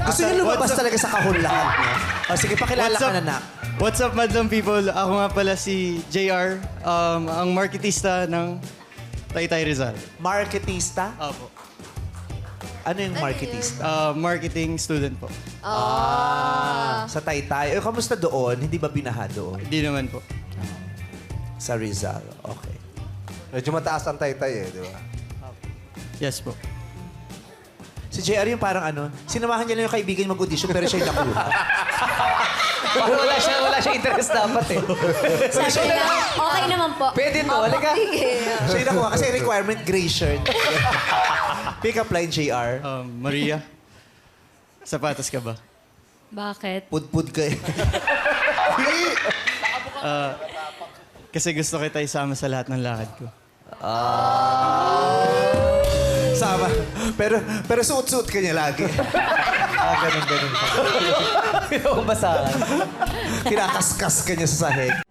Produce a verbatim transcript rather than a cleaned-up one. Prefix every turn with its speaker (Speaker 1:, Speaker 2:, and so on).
Speaker 1: Gusto niyo lumabas talaga sa kahon lahat, no? O sige, pakilala
Speaker 2: What's
Speaker 1: ka
Speaker 2: up?
Speaker 1: na, Nak.
Speaker 2: What's up, madlang people? Ako nga pala si J R, um, ang marketista ng Taytay Rizal.
Speaker 1: Marketista?
Speaker 2: Opo.
Speaker 1: Ano yung marketista?
Speaker 2: Uh, marketing student po.
Speaker 1: Ah, sa Taytay. Eh, kamusta doon? Hindi ba binaha doon?
Speaker 2: Hindi naman po.
Speaker 1: Sa Rizal. Okay.
Speaker 3: Medyo mataas ang taytay eh, di ba?
Speaker 2: Yes po.
Speaker 1: Si J R yung parang ano, sinamahan niya lang yung kaibigan niya mag-audition pero siya yung nakuha.
Speaker 4: Parang wala siya, wala siya interest dapat eh.
Speaker 5: Sabi niya, okay naman po.
Speaker 4: Pwede to, halika.
Speaker 1: Siya yung nakuha kasi requirement gray shirt. Pick up line, J R.
Speaker 2: Um, Maria, sapatos ka ba?
Speaker 5: Bakit?
Speaker 1: Pud-pud ka eh.
Speaker 2: Kasi gusto kita isama sa lahat ng lakad ko.
Speaker 1: Sama. Pero, pero suot-suot ka niya lagi. Ah, ganun, ganun.
Speaker 4: Basahan.
Speaker 1: Kinakaskas ka niya sa sahig.